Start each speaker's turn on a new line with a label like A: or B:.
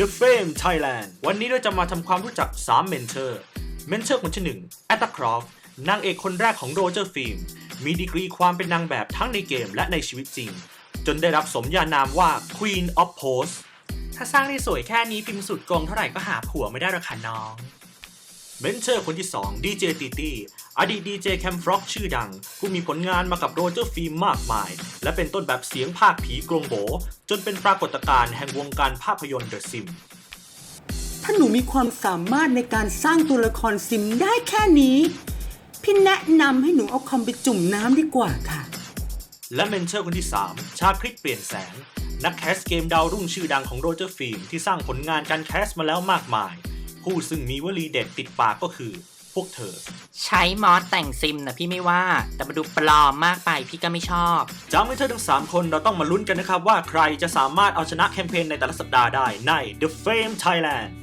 A: The Fame Thailand วันนี้เราจะมาทำความรู้จัก3เมนเทอร์คนที่1 Etta Croft นางเอกคนแรกของโรเจอร์ฟิล์มมีดีกรีความเป็นนางแบบทั้งในเกมและในชีวิตจริงจนได้รับสมญานามว่า Queen of Pose ถ้าสร้างได้สวยแค่นี้พิมพ์สุดกงเท่าไหร่ก็หาผัวไม่ได้หรอกค่ะน้องเมนเทอร์คนที่2 DJ ตีตี้อดีตดีเจแคมฟร็อกชื่อดังผู้มีผลงานมากับโรเจอร์ฟิล์มมากมายและเป็นต้นแบบเสียงภาคผีกรงโบจนเป็นปรากฏการณ์แห่งวงการภาพยนตร์เดอะซิม
B: ถ้าหนูมีความสามารถในการสร้างตัวละครซิมได้แค่นี้พี่แนะนำให้หนูเอาคอมไปจุ่มน้ำดีกว่าค่ะ
A: และเมนเทอร์คนที่3ชาคริตเปลี่ยนแสงนักแคสเกมดาวรุ่งชื่อดังของโรเจอร์ฟิล์มที่สร้างผลงานการแคสมาแล้วมากมายผู้ซึ่งมีวลีเด็ดติดปากก็คือพวกเธอ
C: ใช้มอสแต่งซิมนะพี่ไม่ว่าแต่มาดูปลอมมากไปพี่ก็ไม่ชอบ
A: จากเมนเทอร์ทั้ง3คนเราต้องมาลุ้นกันนะครับว่าใครจะสามารถเอาชนะแคมเปญในแต่ละสัปดาห์ได้ใน The Fame Thailand